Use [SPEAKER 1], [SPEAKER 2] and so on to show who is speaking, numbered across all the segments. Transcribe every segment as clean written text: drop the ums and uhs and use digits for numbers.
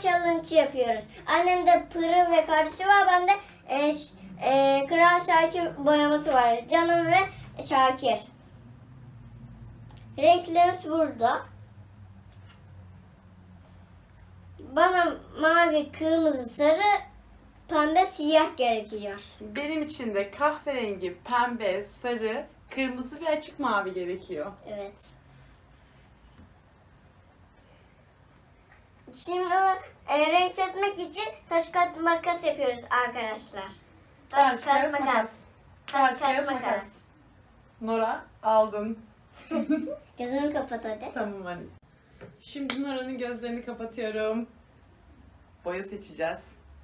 [SPEAKER 1] challenge yapıyoruz. Annemde Pırıl ve kardeşi var. Bende Kral Şakir boyaması var. Canım ve Şakir. Renklerimiz burada. Bana mavi, kırmızı, sarı, pembe, siyah gerekiyor.
[SPEAKER 2] Benim için de kahverengi, pembe, sarı, kırmızı ve açık mavi gerekiyor.
[SPEAKER 1] Evet. Şimdi renk seçmek için taş kağıt makas yapıyoruz arkadaşlar. Taş kağıt makas. Taş kağıt makas.
[SPEAKER 2] Nora aldın.
[SPEAKER 1] Gözünü kapat hadi.
[SPEAKER 2] Tamam anneciğim. Şimdi Nora'nın gözlerini kapatıyorum. Boya seçeceğiz.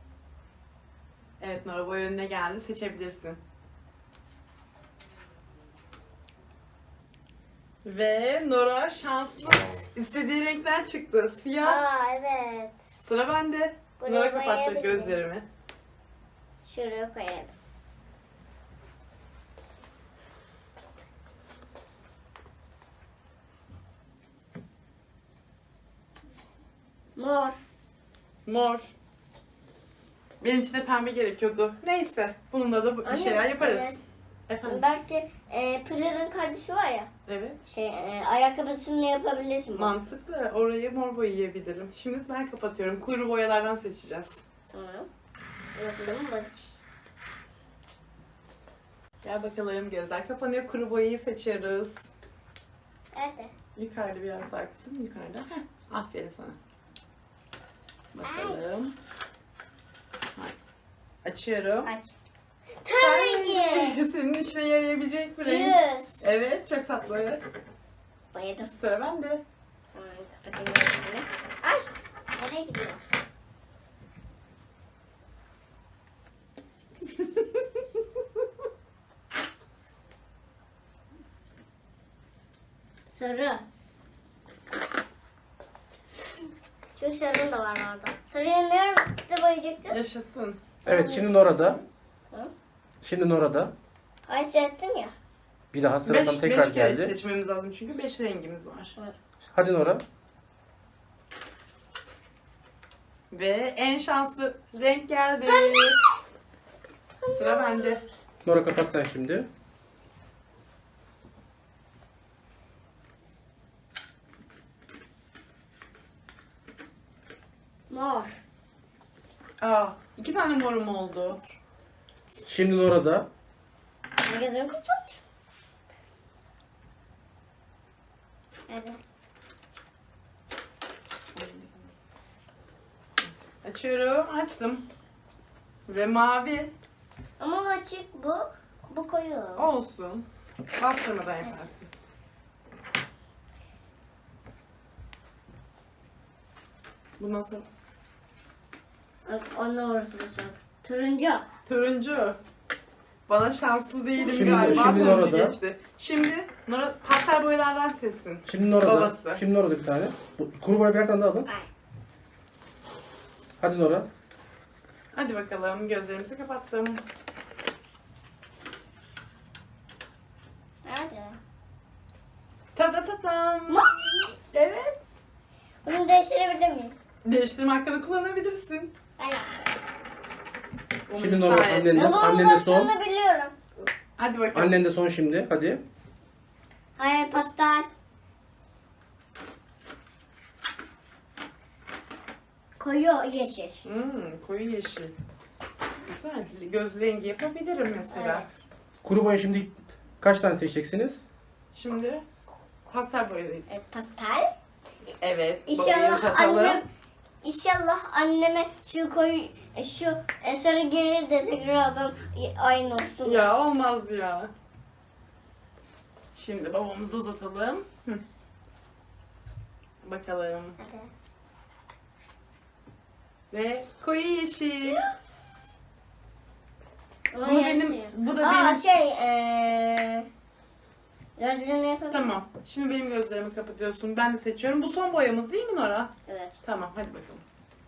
[SPEAKER 2] Evet Nora, boya önüne geldi. Seçebilirsin. Ve Nora şanslı. İstediği renkler çıktı. Siyah.
[SPEAKER 1] Aa evet.
[SPEAKER 2] Sıra bende.
[SPEAKER 1] Buraya
[SPEAKER 2] Nora kapatacak
[SPEAKER 1] boyayabilir miyim?
[SPEAKER 2] gözlerimi.
[SPEAKER 1] Şuraya koyalım. Mor.
[SPEAKER 2] Mor. Benim için de pembe gerekiyordu. Neyse. Bununla da bir
[SPEAKER 1] Anne,
[SPEAKER 2] şeyler yaparız.
[SPEAKER 1] evet.
[SPEAKER 2] Efendim?
[SPEAKER 1] Belki Pırır'ın kardeşi var ya.
[SPEAKER 2] Evet.
[SPEAKER 1] Ayakkabısını yapabilirsin.
[SPEAKER 2] Mantıklı. Orayı mor boyayabilirim. Şimdi ben kapatıyorum. Kuyruğu boyalardan seçeceğiz.
[SPEAKER 1] Tamam. Bakalım bak.
[SPEAKER 2] Gel bakalım. Gözler kapanıyor. Kuru boyayı seçiyoruz.
[SPEAKER 1] Nerede?
[SPEAKER 2] Yukarıda biraz daha kısım. Yukarıda. Heh. Aferin sana. Bakalım. Açıyorum.
[SPEAKER 1] Aç. Tabii.
[SPEAKER 2] Senin işine yarayabilecek bir renk.
[SPEAKER 1] Yüz.
[SPEAKER 2] Evet. Çok tatlı.
[SPEAKER 1] Boyadım.
[SPEAKER 2] Sıra bende.
[SPEAKER 1] Tamam, kapatayım gözümü. Ay. Nereye gidiyorsun? Sarı. Çünkü sarının da var orada. Sarıyı nerede boyayacaktın?
[SPEAKER 2] Yaşasın.
[SPEAKER 3] Evet, şimdi Nora'da.
[SPEAKER 1] Hı?
[SPEAKER 3] Şimdi Nora'da.
[SPEAKER 1] Ay seyrettim ya.
[SPEAKER 3] Bir daha sıra tam tekrar
[SPEAKER 2] beş kere
[SPEAKER 3] geldi.
[SPEAKER 2] seçmemiz lazım çünkü 5 rengimiz var.
[SPEAKER 3] Hadi Nora.
[SPEAKER 2] Ve en şanslı renk geldi. Sıra bende.
[SPEAKER 3] Nora kapat sen şimdi.
[SPEAKER 1] Mor.
[SPEAKER 2] Aa, 2 tane morum oldu.
[SPEAKER 3] Şimdi Nora'da.
[SPEAKER 1] Gözümü kapat. Evet.
[SPEAKER 2] Açıyorum. Açtım. Ve mavi.
[SPEAKER 1] Ama bu açık bu. Bu koyu.
[SPEAKER 2] Olsun. Bastırmadan yaparsın. Bundan sonra
[SPEAKER 1] Onunla orası başladı. Turuncu.
[SPEAKER 2] turuncu. Bana şanslı değilim
[SPEAKER 3] Şimdi-
[SPEAKER 2] galiba.
[SPEAKER 3] şimdi
[SPEAKER 2] Turuncu
[SPEAKER 3] Nora'da.
[SPEAKER 2] geçti. Şimdi Nora pastel boyalardan seçsin.
[SPEAKER 3] Şimdi Nora'da.
[SPEAKER 2] Babası.
[SPEAKER 3] Şimdi Nora'da bir tane. Kuru boya birer tane daha alın.
[SPEAKER 1] Ay.
[SPEAKER 3] Hadi Nora.
[SPEAKER 2] Hadi bakalım. Gözlerimizi kapattım.
[SPEAKER 1] Nerede?
[SPEAKER 2] Ta ta ta tam. Evet.
[SPEAKER 1] Bunu değiştirebilir miyim?
[SPEAKER 2] Değiştirme hakkını kullanabilirsin.
[SPEAKER 1] Aynen.
[SPEAKER 3] Şimdi Nora
[SPEAKER 2] Gayet-
[SPEAKER 3] annen de,
[SPEAKER 1] Babamın
[SPEAKER 3] annen de son.
[SPEAKER 1] aslında biliyorum.
[SPEAKER 2] Hadi bakalım.
[SPEAKER 3] Annen de son şimdi. Hadi.
[SPEAKER 1] Hayır pastel. Koyu yeşil.
[SPEAKER 2] Koyu yeşil. Güzel. Göz rengi yapabilirim mesela.
[SPEAKER 1] Evet.
[SPEAKER 3] Kuru boya şimdi kaç tane seçeceksiniz?
[SPEAKER 2] Şimdi pastel boyadayız.
[SPEAKER 1] Evet, pastel.
[SPEAKER 2] Evet. boyayı
[SPEAKER 1] İnşallah
[SPEAKER 2] uzatalım.
[SPEAKER 1] anneme şu koyu şu sarı gelir de tekrardan aynı olsun.
[SPEAKER 2] Ya olmaz ya. Şimdi babamızı uzatalım. Bakalım.
[SPEAKER 1] Hadi.
[SPEAKER 2] Ve koyu yeşil.
[SPEAKER 1] Ama
[SPEAKER 2] Bu
[SPEAKER 1] yeşil.
[SPEAKER 2] benim- bu da
[SPEAKER 1] Aa,
[SPEAKER 2] benim-
[SPEAKER 1] gözlerini yapabilir
[SPEAKER 2] Tamam. Şimdi benim gözlerimi kapatıyorsun. Ben de seçiyorum. Bu son boyamız değil mi Nora?
[SPEAKER 1] Evet.
[SPEAKER 2] Tamam. Hadi bakalım.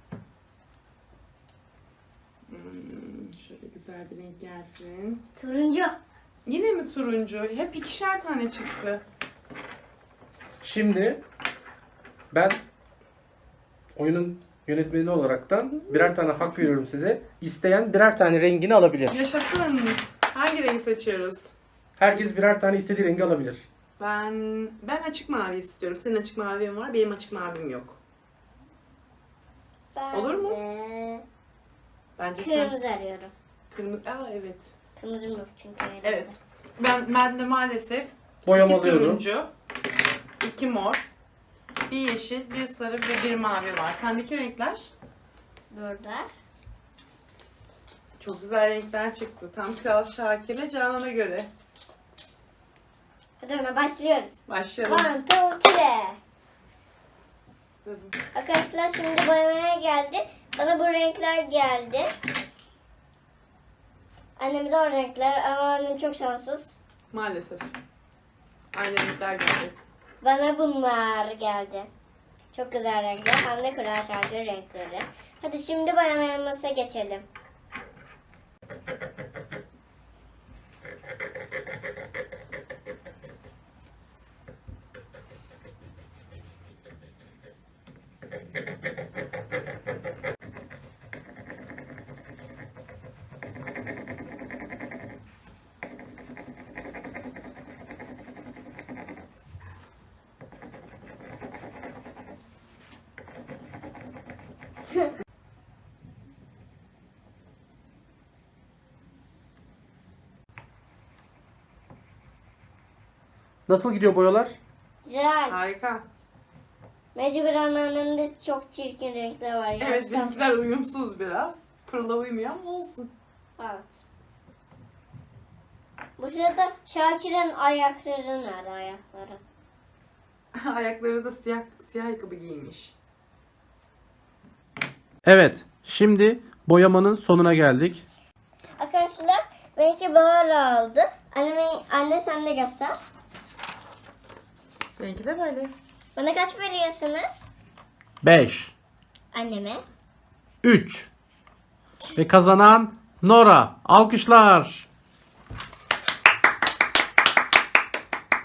[SPEAKER 2] Şöyle güzel bir renk gelsin.
[SPEAKER 1] Turuncu.
[SPEAKER 2] Yine mi turuncu? Hep 2'şer tane çıktı.
[SPEAKER 3] Şimdi ben oyunun Yönetmeni olaraktan birer tane hak veriyorum size. İsteyen birer tane rengini alabilir.
[SPEAKER 2] Yaşasın. Hangi rengi seçiyoruz?
[SPEAKER 3] Herkes birer tane istediği rengi alabilir.
[SPEAKER 2] Ben açık mavi istiyorum. Senin açık mavin var, benim açık mavim yok.
[SPEAKER 1] Ben
[SPEAKER 2] Olur mu?
[SPEAKER 1] de
[SPEAKER 2] Bence
[SPEAKER 1] kırmızı arıyorum.
[SPEAKER 2] Kırmızı. Aa evet.
[SPEAKER 1] Kırmızım yok çünkü. elimde.
[SPEAKER 2] Evet. Ben de maalesef
[SPEAKER 3] Boyama
[SPEAKER 2] 2
[SPEAKER 3] alıyorum.
[SPEAKER 2] turuncu, 2 mor, 1 yeşil, 1 sarı ve 1 mavi var. Sendeki renkler?
[SPEAKER 1] Burada.
[SPEAKER 2] Çok güzel renkler çıktı. Tam Kral Şakir'le Canan'a göre.
[SPEAKER 1] Hadi ona başlıyoruz.
[SPEAKER 2] Başlayalım.
[SPEAKER 1] 1, 2, 3. Arkadaşlar şimdi boyamaya geldi. Bana bu renkler geldi. Anneme de o renkler ama annem çok şanssız.
[SPEAKER 2] Maalesef. Aynı renkler geldi.
[SPEAKER 1] Bana bunlar geldi. Çok güzel renkler. Hem de Kral Şakir renkleri. Hadi şimdi boyamaya geçelim.
[SPEAKER 3] Nasıl gidiyor boyalar?
[SPEAKER 1] Güzel.
[SPEAKER 2] Harika.
[SPEAKER 1] Mecburen annemde çok çirkin renkler var. Yani
[SPEAKER 2] Evet, renkler uyumsuz biraz. Pırla uymuyor ama olsun.
[SPEAKER 1] Evet. Bu sırada Şakir'in ayakları nerede ayakları?
[SPEAKER 2] Ayakları da siyah ayakkabı giymiş.
[SPEAKER 3] Evet. Şimdi boyamanın sonuna geldik.
[SPEAKER 1] Arkadaşlar benimki böyle oldu. Anne sen de göster.
[SPEAKER 2] Benimki de böyle.
[SPEAKER 1] Bana kaç veriyorsunuz?
[SPEAKER 3] 5,
[SPEAKER 1] Anneme.
[SPEAKER 3] 3 ve kazanan Nora. Alkışlar.